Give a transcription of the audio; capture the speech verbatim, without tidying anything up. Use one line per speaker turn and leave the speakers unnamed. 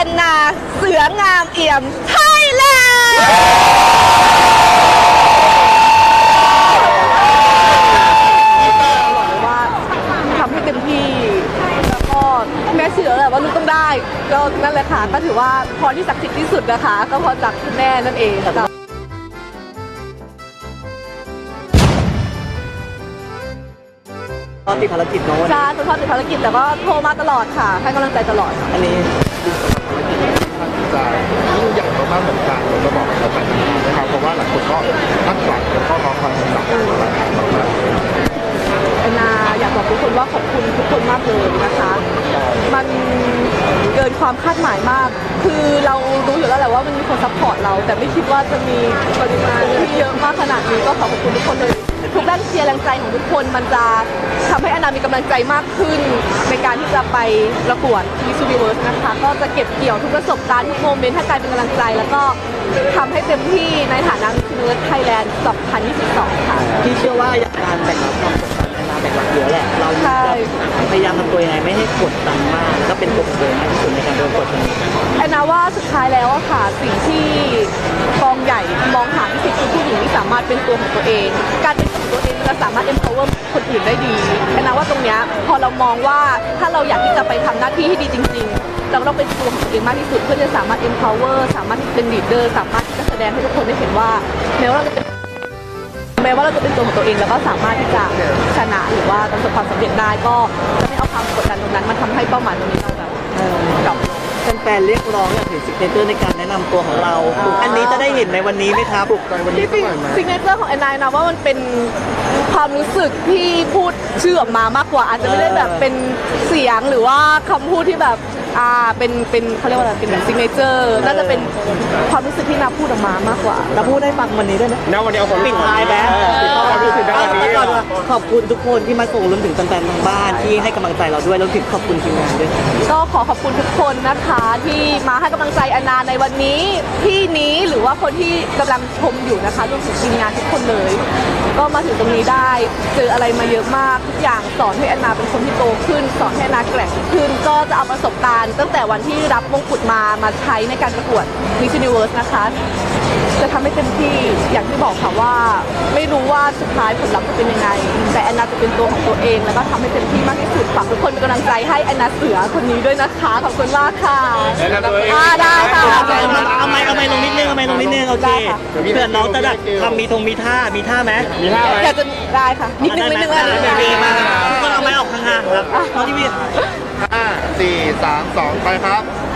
อนนาเสืองามเอี่ยมไทยแลนด์ว่าทำให้เต็มที่แล้วก็แม่เชื่อแหละว่าลูกต้องได้ก็นั่นแหละค่ะก็ถือว่าพรที่ศักดิ์สิทธิ์ที่สุดนะคะก็พรจากคุณแม่นั่นเองค่ะ
ตอนติดภารกิจเนาะวัน
ใช่
นี้
คุณพ่อติดภารกิจแต่ก็โทรมาตลอดค่ะให้กำลังใจตลอด
อันนี้
จะยิ่งใหญ่มากๆเหมือนกันผมจะบอกกับแต่ละนะครับเพราะว่าหลายคนก็คาดหวังแล้วก็รอความสำเร็จของรายการมากๆ
แอนนาอยากบอกทุกคนว่าขอบคุณทุกคนมากเลยนะคะ มันเกินความคาดหมายมาก คือเรารู้อยู่แล้วแหละว่ามันมีคนซัพพอร์ตเรา แต่ไม่คิดว่าจะมีปริมาณที่เยอะมากขนาดนี้ก็ขอขอบคุณทุกคนเลยทุกด้านเชียร์แรงใจของทุกคนมันจะทำให้แอนนามีกำลังใจมากขึ้นในการที่จะไปประกวด Miss Universe นะคะก็จะเก็บเกี่ยวทุกประสบการณ์ทุกโมเมนต์ให้กลายเป็นกำลังใจ แล้วก็ทำให้เต็มที่ในฐานะ Miss Universe Thailand สองพันยี่สิบสอง ค่ะ
พี่เชื่อว่าการแบ่งรับความกดดันแอนนาแบ่งรับเยอะแหละเรา
ใช่
พยายามทำตัวยังไงไม่ให้กดดันมากก็เป็นตัวของตัวเองมากที่สุดในการโดนกดดัน
แอนนาว่าสุดท้ายแล้วอะค่ะสิ่งที่กองใหญ่มองหาที่สุดคือผู้หญิงที่สามารถเป็นตัวของตัวเอง การเป็นตัวของตัวเองมันจะสามารถ empower คนอื่นได้ดีแอนนาว่าตรงเนี้ยพอเรามองว่าถ้าเราอยากที่จะไปทำหน้าที่ให้ดีจริงๆเราต้องเป็นตัวของตัวเองมากที่สุดเพื่อจะสามารถ empower สามารถเป็น leader สามารถที่จะแสดงให้ทุกคนได้เห็นว่าแม้ว่าเราจะเป็นแม้ว่าเราจะเป็นตัวของตัวเองแล้วก็สามารถที่จะชนะหรือว่าประสบความสำเร็จได้ก็จะไม่เอาความกดดันตรงนั้นมาทำให้เป้าหมายตรงนี้เราแบบดรอป
แฟนๆเรียกร้องอยากเห็นซิกเนเจอร์ในการแนะนำตัวของเรา อันนี้จะได้เห็นในวันนี้ไหมครับ
ที่จริงซิกเนเจอร์ของแอนนานะว่ามันเป็นความรู้สึกที่พูดชื่อออกมามากกว่าอาจจะไม่ได้แบบเป็นเสียงหรือว่าคำพูดที่แบบอ่าเป็นเป็นเขาเรียกว่าอะไรเป็นแบบซิกเนเจอร์น่าจะเป็นความรู้สึกที่นาพูดออกมามากกว่า
เราพูดให้ฟังวันนี้ด้วยนะ
ณวันนี้เอาความ
ปิดท้ายแบ๊
ความรู้สึกได้วันนี้
ขอบคุณทุกคนที่มาส่งรวมถึงแฟนๆทางบ้านที่ให้กำลังใจเราด้วยรวมถึงขอบคุณทีมงานด้วย
ก็ขอขอบคุณทุกคนนะคะที่มาให้กำลังใจแอนนาในวันนี้ที่นี้หรือว่าคนที่กำลังชมอยู่นะคะรวมถึงทีมงานทุกคนเลย ก็มาถึงตรงนี้ได้เจออะไรมาเยอะมากทุกอย่างสอนให้แอนนาเป็นคนที่โตขึ้น สอนให้แอนนาแกร่งขึ้น ก็จะเอาประสบการณ์ตั้งแต่วันที่รับมงกุฎมามาใช้ในการประกวด Miss Universe นะคะจะทำให้เต็มที่อย่างที่บอกค่ะว่าไม่รู้ว่าสุดท้ายผลลัพธ์จะเป็นยังไงแต่แอนนาจะเป็นตัวของตัวเองแล้วก็ทำให้เต็มที่มากที่สุดฝากทุกคนเป็นกำลังใจให้แอนนาเสือคนนี้ด้วยนะคะขอบคุณมากค่ะอ่าได้ค่ะ
เอาไม้เอาไม้ลงนิดนึงเอาไม้ลงนิดนึงโอเคเผื่อน้องจะแบบทำมีธงมีท่ามีท่าไหม
มีท่าไหม
อยากจะได้ค่ะนิดนึงนิดนึง
อ่ะ
อะไร
ได้ไหมดีมากทุกคนเอาไม้ออกห่างๆครับน้องที่มี
ห้าสี่สามสองไปครับ